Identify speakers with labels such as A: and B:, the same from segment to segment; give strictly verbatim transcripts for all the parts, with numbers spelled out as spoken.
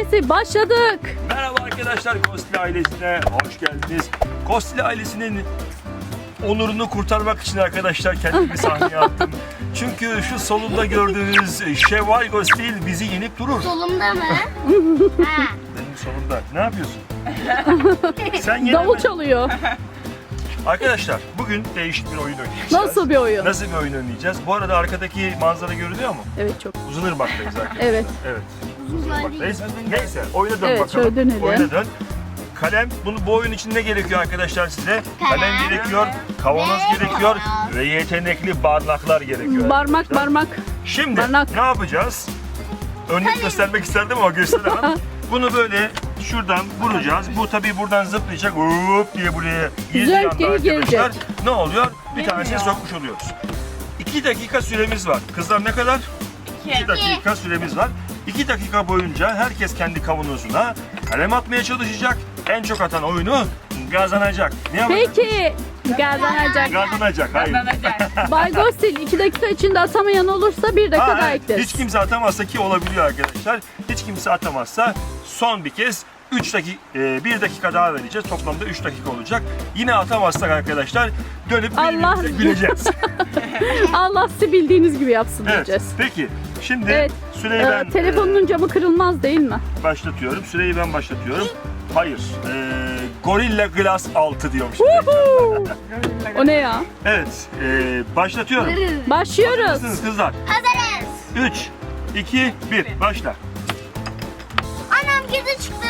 A: Pazartesi başladık.
B: Merhaba arkadaşlar, Kostili ailesine hoş geldiniz. Kostili ailesinin onurunu kurtarmak için arkadaşlar kendimi sahneye attım. Çünkü şu solunda gördüğünüz Şevval Kostil bizi yenip durur.
C: Solumda mı? Ha.
B: Benim solumda. Ne yapıyorsun? Sen yine
A: Davul
B: mi?
A: çalıyor.
B: Arkadaşlar bugün değişik bir oyun oynayacağız.
A: Nasıl bir oyun?
B: Nasıl bir oyun oynayacağız? Bu arada arkadaki manzara görünüyor mu?
A: Evet, çok.
B: Uzunırmak'tayız arkadaşlar.
A: Evet.
B: Evet. Uzunırmak'tayız. Neyse oyuna dön
A: Evet,
B: bakalım.
A: şöyle dönelim.
B: Oyuna dön. Kalem, bunu bu oyun için ne gerekiyor arkadaşlar size? Kalem,
C: Kalem.
B: gerekiyor, kavanoz
C: Ve
B: gerekiyor
C: kavanoz.
B: ve yetenekli barnaklar gerekiyor.
A: Barmak
B: arkadaşlar.
A: barmak.
B: Şimdi
A: barnak.
B: ne yapacağız? Örnek göstermek isterdim ama gösteremem. Bunu böyle şuradan vuracağız. Bu tabii buradan zıplayacak. Hop diye buraya
A: Güzel,
B: girdiği
A: geri
B: anda arkadaşlar
A: gelecek.
B: ne oluyor? Bir tanesini sokmuş oluyoruz. İki dakika süremiz var. Kızlar ne kadar? İki dakika süremiz var. İki dakika boyunca herkes kendi kavanozuna kalem atmaya çalışacak. En çok atan oyunu kazanacak. Ne yapacak?
A: Peki. Kazanacak.
B: Kazanacak. Hayır.
A: Bay Ghostil iki dakika içinde atamayan olursa bir dakika
B: Ha,
A: daha
B: evet.
A: ekleriz.
B: Hiç kimse atamazsa ki olabiliyor arkadaşlar. Hiç kimse atamazsa son bir kez üç dakika bir dakika daha vereceğiz. Toplamda üç dakika olacak. Yine atamazsak arkadaşlar dönüp
A: Allah.
B: birbirimize güleceğiz.
A: Allah sizi bildiğiniz gibi yapsın
B: Evet.
A: diyeceğiz.
B: Peki. Şimdi
A: Evet.
B: süreyi
A: Ee,
B: ben
A: telefonun camı kırılmaz değil mi?
B: e, başlatıyorum. Süreyi ben başlatıyorum. Hayır. Ee, Gorilla Glass altı diyormuş.
A: Woohoo! O ne ya?
B: Evet. ee, başlatıyorum.
A: Başlıyoruz.
B: Hazırsınız kızlar.
C: Hazırız.
B: üç, iki, bir. Başla.
C: Anam kedi çıktı.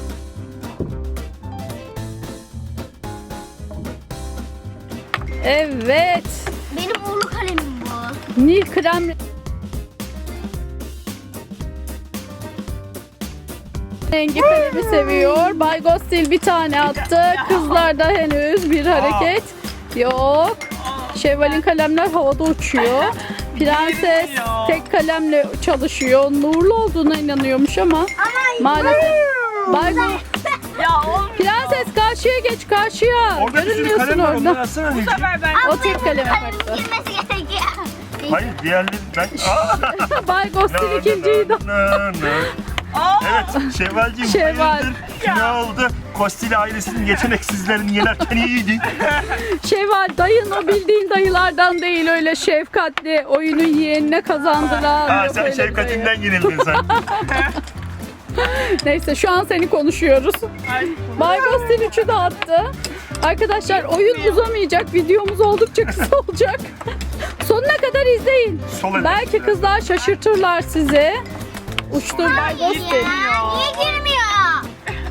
A: Evet.
C: Benim uğurlu kalemim bu.
A: Nil krem rengi kalemi seviyor. Bay Ghostil bir tane attı. Kızlarda henüz bir hareket yok. Şevval'in kalemler havada uçuyor. Prenses tek kalemle çalışıyor. Nurlu olduğuna inanıyormuş ama maalesef. Bay Go-
D: Ya oğlum.
A: Prenses karşıya geç, karşıya.
B: Orada bir sürü
A: Görünmüyorsun
B: kalem var. Onları
A: orada.
B: atsana anneciğim.
D: sefer ben
A: O tek kaleme
C: Kalemin
A: baktı.
C: girmesi gerekiyor.
B: Hayır diğerleri ben... Aa!
A: Bay Ghostil ikinciydi.
B: Evet, Şevvalciğim
A: Şevval.
B: hayırdır? Ne oldu? Kostili ailesinin yeteneksizlerini yenerken iyiydi.
A: Şevval dayın o bildiğin dayılardan değil, öyle şefkatli oyunu yeğenine kazandıran.
B: Ha,
A: yok
B: sen
A: öyle bir
B: şefkatinden yenildin sen.
A: dayı. Neyse şu an seni konuşuyoruz. Bay Ghostil üçü de attı. Arkadaşlar oyun uzamayacak, videomuz oldukça kısa olacak. Sonuna kadar izleyin.
B: Sol el.
A: Belki kızlar şaşırtırlar sizi. Uçtur Bay Ghostil.
C: Niye girmiyor?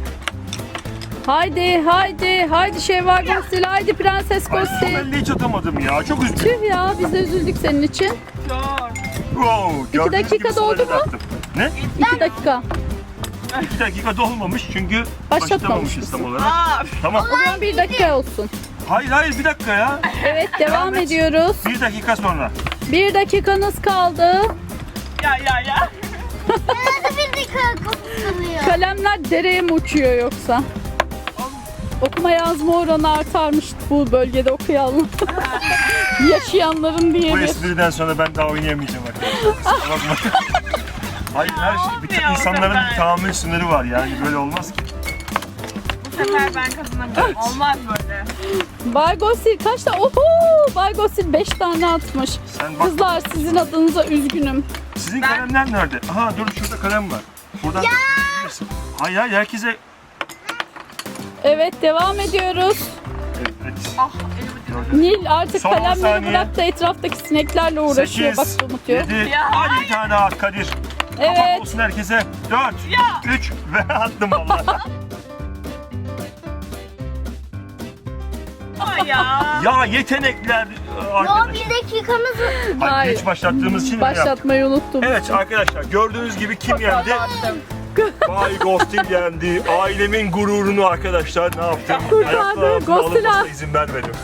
A: Haydi haydi haydi Şevval Ghostil, haydi Prenses
B: Ay, sol
A: Ghostil.
B: elde hiç atamadım ya. Çok üzgünüm.
A: Tüh ya, biz de üzüldük senin için.
B: Wow, gördüğünüz
A: dakika
B: gibi sol
A: doldu
B: elde
A: mu?
B: attım. Ne?
A: İki dakika.
B: İki dakika dolmamış çünkü
A: Başlatmamışız.
B: başlatamamışız tam olarak.
D: Aa,
B: Tamam.
A: O zaman bir dakika olsun.
B: Hayır hayır bir dakika ya.
A: Evet, devam
B: et.
A: ediyoruz.
B: Bir dakika sonra.
A: Bir dakikanız kaldı.
D: ya ya ya.
C: Nasıl bir dakika kokuyor?
A: Kalemler dereye mi uçuyor yoksa? Okuma yazma oranı artarmış bu bölgede okuyanlar. Yaşayanların
B: Bu
A: diyelim.
B: espriden sonra ben daha oynayamayacağım arkadaşlar. Kusura bakma. Hayır her şey. Bir
D: Olmuyor o
B: insanların
D: sefer.
B: bir tahammül sınırı var yani böyle olmaz ki.
D: Bu sefer ben kazanamıyorum. Olmaz böyle.
A: Bay Ghostil kaç tane? Oho! Bay Ghostil beş tane atmış.
B: Sen bak.
A: Kızlar sizin adınıza üzgünüm.
B: Sizin
D: Ben-
B: kalemler nerede? Aha dur şurada kalem var. Buradan bakabilirsin. Hayır hayır herkese.
A: Evet, devam ediyoruz.
B: Evet.
D: Ah elimi diyorum.
A: Nil artık
B: Son on
A: kalemleri
B: saniye.
A: bırak da etraftaki sineklerle uğraşıyor. Bak
B: sekiz,
A: unutuyor.
B: yedi,
D: Ya,
B: hadi bir tane daha at Kadir.
A: Evet.
B: Kapak olsun herkese. dört,
D: Ya.
B: üç ve attım valla.
D: Ama ya.
B: Ya yetenekler
C: Yo,
B: arkadaşlar.
C: bir dakikamız var.
B: Hayır,
A: Hayır.
B: geç başlattığımız için öyle yaptık.
A: Başlatmayı unuttum.
B: Evet arkadaşlar gördüğünüz gibi kim yendi? Bay Ghostil yendi. Ailemin gururunu arkadaşlar ne yaptım?
A: Kurtardı.
B: Ayaklarımın
A: Ghostil'a.
B: alınmasına izin vermedim.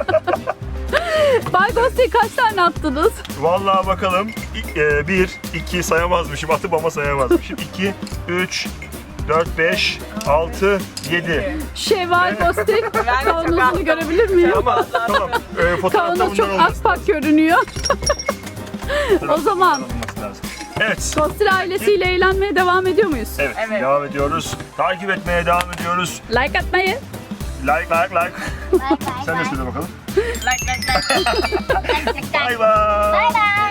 A: Bay Ghostil kaç tane attınız?
B: Vallahi bakalım. bir, iki sayamazmışım. Atıp ama sayamazmışım. iki, üç, dört, beş, altı, yedi.
A: Şevval Ghostil kavanozunu görebilir miyim?
B: Tamam tamam. Ee, fotoğrafta
A: Kavanoz
B: bunlar
A: çok
B: olmasın.
A: akpak görünüyor. O zaman
B: Olması lazım. Evet.
A: Ghostil ailesiyle eğlenmeye devam ediyor muyuz?
B: Evet,
D: Evet.
B: devam ediyoruz. Takip etmeye devam ediyoruz.
A: Like atmayı.
B: Like, like, like.
C: Bay bay
B: Sen de
C: bay.
B: söyle bakalım.
D: Like like like.
B: Bye bye.
C: Bay bay.